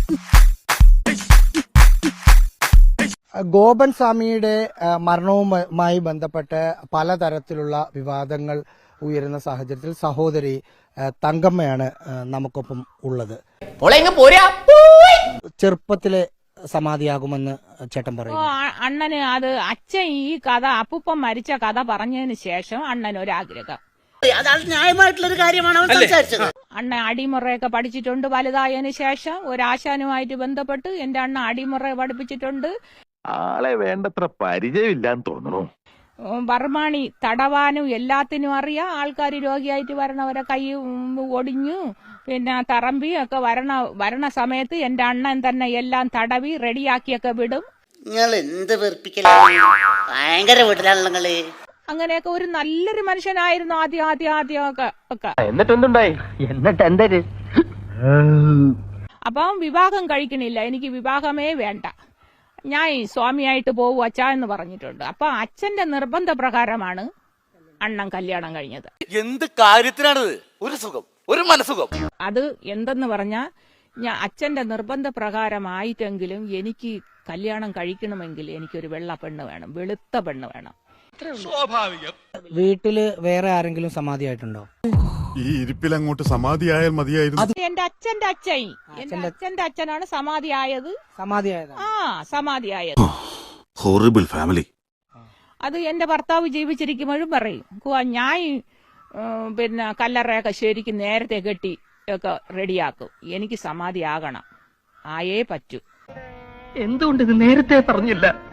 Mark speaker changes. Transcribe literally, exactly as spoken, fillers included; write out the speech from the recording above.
Speaker 1: ഗോപൻ സ്വാമിയുടെ മരണവുമായി ബന്ധപ്പെട്ട് പലതരത്തിലുള്ള വിവാദങ്ങൾ ഉയരുന്ന സാഹചര്യത്തിൽ സഹോദരി തങ്കമ്മയാണ് നമുക്കൊപ്പം ഉള്ളത്. ചെറുപ്പത്തിലെ സമാധിയാകുമെന്ന് ചേട്ടൻ പറയും.
Speaker 2: അണ്ണന് അത് അച്ഛൻ ഈ കഥ അപ്പൂപ്പൻ മരിച്ച കഥ പറഞ്ഞതിന് ശേഷം അണ്ണൻ ഒരാഗ്രഹം.
Speaker 3: അതാണ് ന്യായമായിട്ടുള്ളൊരു കാര്യമാണ് അവൻ സംസാരിച്ചത്.
Speaker 2: അണ്ണ അടിമുറയൊക്കെ പഠിച്ചിട്ടുണ്ട്. വലുതായതിനു ശേഷം ഒരാശാനുമായിട്ട് ബന്ധപ്പെട്ട് എന്റെ അണ്ണ അടിമുറ പഠിപ്പിച്ചിട്ടുണ്ട്.
Speaker 4: ആളെ വേണ്ടത്ര പരിചയമില്ലാന്ന് തോന്നുന്നു.
Speaker 2: ബർമാണി തടവാനും എല്ലാത്തിനും അറിയാം. ആൾക്കാർ രോഗിയായിട്ട് വരണവരെ കൈ ഒടിഞ്ഞു പിന്നെ തറമ്പി ഒക്കെ വരണ വരണ സമയത്ത് എന്റെ അണ്ണൻ തന്നെ എല്ലാം തടവി റെഡിയാക്കിയൊക്കെ വിടും.
Speaker 3: നിങ്ങൾ എന്ത് വെറുപ്പിക്കലാണ്, ഭയങ്കര വീട്ടിലാണല്ലോ നിങ്ങള്.
Speaker 2: അങ്ങനെയൊക്കെ ഒരു നല്ലൊരു മനുഷ്യനായിരുന്നു ആദ്യം ആദ്യം ആദ്യം ഒക്കെ ഒക്കെ
Speaker 5: എന്നിട്ടെന്തുണ്ടായി? എന്നിട്ട് എന്തര്?
Speaker 2: അപ്പം വിവാഹം കഴിക്കണില്ല, എനിക്ക് വിവാഹമേ വേണ്ട, ഞാൻ സ്വാമിയായിട്ട് പോകും അച്ഛ എന്ന് പറഞ്ഞിട്ടുണ്ട്. അപ്പൊ അച്ഛന്റെ നിർബന്ധ പ്രകാരമാണ് അണ്ണൻ കല്യാണം കഴിഞ്ഞത്.
Speaker 6: എന്ത് കാര്യത്തിനാണത്? ഒരു സുഖം, ഒരു മനസുഖം.
Speaker 2: അത് എന്തെന്ന് പറഞ്ഞാ ഞാൻ അച്ഛന്റെ നിർബന്ധ പ്രകാരമായിട്ടെങ്കിലും എനിക്ക് കല്യാണം കഴിക്കണമെങ്കിൽ എനിക്കൊരു വെള്ള പെണ്ണ് വേണം, വെളുത്ത പെണ്ണ് വേണം.
Speaker 6: സ്വാഭാവികം.
Speaker 1: വീട്ടില് വേറെ ആരെങ്കിലും സമാധിയായിട്ടുണ്ടോ?
Speaker 7: ഈ ഇരിപ്പിൽ അങ്ങോട്ട് സമാധിയായാൽ മതിയായിരുന്നു.
Speaker 2: എന്റെ അച്ഛന്റെ അച്ഛൻ എന്റെ അച്ഛന്റെ അച്ഛനാണ് സമാധിയായത്.
Speaker 1: സമാധിയായത്
Speaker 2: ആ സമാധിയായത്.
Speaker 7: Horrible family.
Speaker 2: അത് എന്റെ ഭർത്താവ് ജീവിച്ചിരിക്കുമ്പോഴും പറയും, ഞാൻ പിന്നെ കല്ലറയൊക്കെ ശരിക്കും നേരത്തെ കെട്ടി ഒക്കെ റെഡിയാക്കും, എനിക്ക് സമാധിയാകണം, ആയേ പറ്റൂ.
Speaker 5: എന്തുകൊണ്ട് ഇത് നേരത്തെ പറഞ്ഞില്ല?